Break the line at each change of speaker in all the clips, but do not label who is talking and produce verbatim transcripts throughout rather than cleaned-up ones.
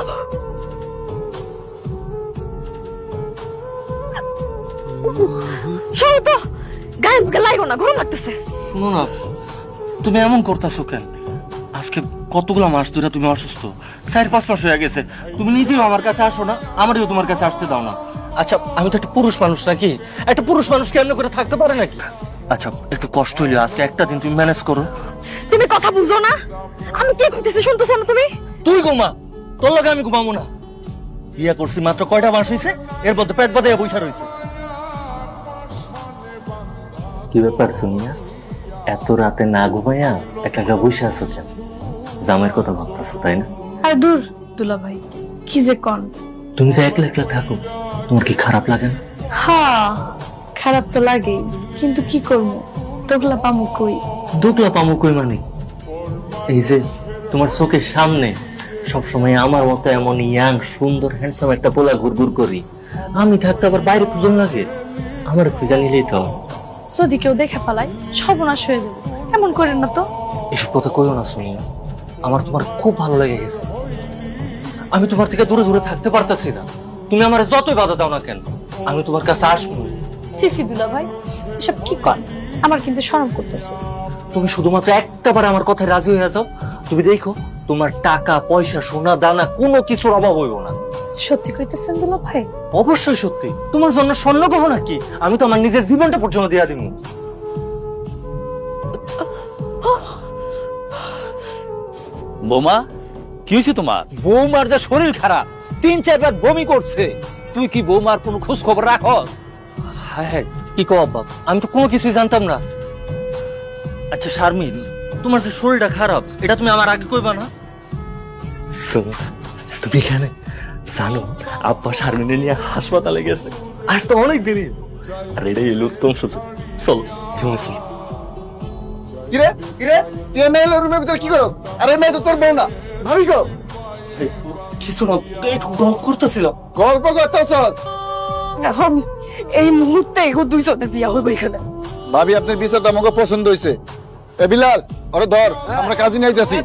শোনো তো, গায়ে লাগো না, গরম লাগতেছে।
শুনো না, তুমি এমন করতেছো কেন? আজকে কতগুলা মাস ধরে তুমি অসুস্থ, চার পাঁচ মাস হয়ে গেছে। তুমি নিজেও আমার কাছে আসো না, আমারও তোমার কাছে আসতে দাও না। আচ্ছা, আমি তো একটা পুরুষ মানুষ নাকি? একটা পুরুষ মানুষ কেমন করে থাকতে পারে নাকি? আচ্ছা, একটু কষ্ট হইলে আজকে একটা দিন তুমি ম্যানেজ করো।
তুমি কথা বুঝো না? আমি কি করতেছি শুনতেছো না তুমি?
তুই ঘুমা, তোর লগে আমি ঘুমাবো না। বিয়ে করছি মাত্র কয়টা মাস হয়েছে, এর মধ্যে পেট বাঁধে বৈশা রয়েছে। কি ব্যাপার সোনিয়া, এত রাতে না ঘুমাইয়া একা একা বসে আছো কেন? জামাইয়ের কথা ভাবতেছো তাই না?
আর দূর দুলা ভাই, কি যে কন।
তুমি যে একলা একলা থাকো, তোমার কি খারাপ লাগে না?
হ্যাঁ, খারাপ তো লাগেই, কিন্তু কি করবো, তোগলা পামু কই।
দুকলা পামু কই মানে? এই যে তোমার চোখের সামনে সবসময় আমার মতো এমন ইয়াং সুন্দর হ্যান্ডসাম একটা পোলা ঘুরঘুর করি, আমি থাকতে আবার বাইরে খুঁজন লাগে? আমার খুঁজা নিলেই তো।
যদি কেউ দেখে ফেলায় সর্বনাশ হয়ে যাবে, এমন করেন না তো।
এসব কথা কইও না সোনিয়া, আমার তোমার খুব ভালো লেগে গেছে। আমি তোমার থেকে দূরে দূরে থাকতে পারতাছি না। তুমি আমার যতই বাধা দাও না কেন, আমি তোমার কাছে আসবো।
সিসি দুলা ভাই, এসব কি কন? আমার কিন্তু শরম করতেছে।
তুমি শুধুমাত্র একটা বার আমার কথায় রাজি হয়ে যাও, তুমি দেখো তোমার টাকা পয়সা সোনা দানা কোনো কিছুর অভাব হইব না।
সত্যি কইতেছেন দুলা ভাই?
অবশ্যই সত্যি। তোমার জন্য স্বর্ণ গহনা কি আমি তো আমার নিজের জীবনটা পর্যন্ত দিয়া দিব।
বোমা, কি হয়েছে তোমার?
বৌমার যা শরীর খারাপ, তিন চারবার বমি করছে। তুই কি বৌমার কোনো খোঁজ খবর রাখো?
হ্যাঁ হ্যাঁ, কি কো আব্বা, আমি তো কোনো কিছুই জানতাম না। আচ্ছা শারমিন, তোমার যে শরীরটা খারাপ এটা তুমি আমার আগে কইবা না? শোনো, তুমি এখানে জানো আব্বা শারমিনে নিয়ে হাসপাতালে গেছে, আজ তো অনেক দেরি। আর এটাই হলো উত্তম সুযোগ। চলো রুমে চলো।
কিরে কিরে তুই মেয়ের রুমের ভিতরে কি করছ? আরে মেয়ে তো তোর বউ না, ভাবি গো।
কিছু না, একটু গল্প করতেছিলাম।
গল্প করতেছ?
এখন এই মুহূর্তে এগো দুইজনের বিয়া হইব এখানে।
ভাবি আপনার বিচারটা আমাকে পছন্দ হয়েছে। এ বিলাল, ওরে ধর, আমরা কাজে নাইতেছি।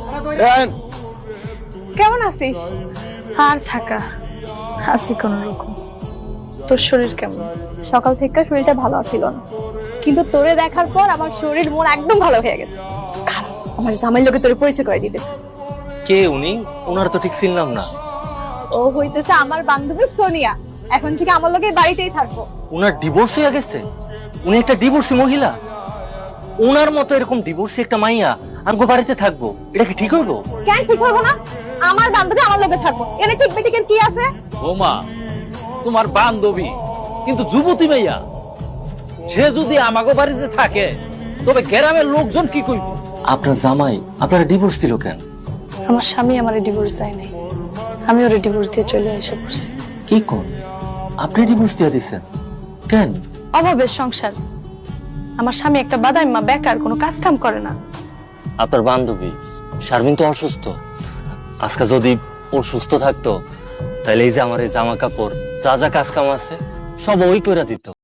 কেমন আছিস? আর থাকা আছি কোন রকম। তোর শরীর কেমন?
সকাল থেকে শরীরটা ভালো ছিল না, কিন্তু তোরে দেখার পর আমার শরীর মন একদম ভালো হয়ে গেছে। খারাপ, আমার জামাইয়ের লোকে তোরে পরিচয় করে দিতেছে।
কে উনি? ওনার তো ঠিক চিনলাম না।
ও হইতেছে আমার বান্ধবী সোনিয়া, এখন থেকে আমার লোকে বাড়িতেই থাকবো।
ওনার ডিভোর্স হয়ে গেছে? উনি একটা ডিভোর্সি মহিলা? ওনার মতো এরকম ডিভোর্সি একটা মাইয়া আমগো বাড়িতে থাকবো, এটা কি ঠিক হইবো?
কেন ঠিক হবো না? আমার বান্ধবী আমার লোকে থাকবো, এনে ঠিক বেটিকের কি আছে?
বৌমা, তোমার বান্ধবী কিন্তু যুবতী মেয়া, সে যদি আমাগো বাড়িতে থাকে তবে গ্রামের লোকজন কি কইব?
আপনার জামাই আপনারা ডিভোর্স দিল কেন?
আমার স্বামী আমার ডিভোর্স চাই নাই, আমি ওর ডিভোর্স দিয়ে চলে এসে পড়ছি।
কি কোন? আপনি ডিভোর্স দিয়ে দিছেন কেন?
অভাবের সংসার। আমার স্বামী একটা বাদাইম্মা, বেকার, কোনো কাজ কাম করে না।
আপনার বান্ধবী শারমিন তো অসুস্থ। আজকে যদি ও সুস্থ থাকতো তাহলে এই যে আমার এই জামা কাপড় যা যা কাজ কাম আছে সব ওই করে দিত।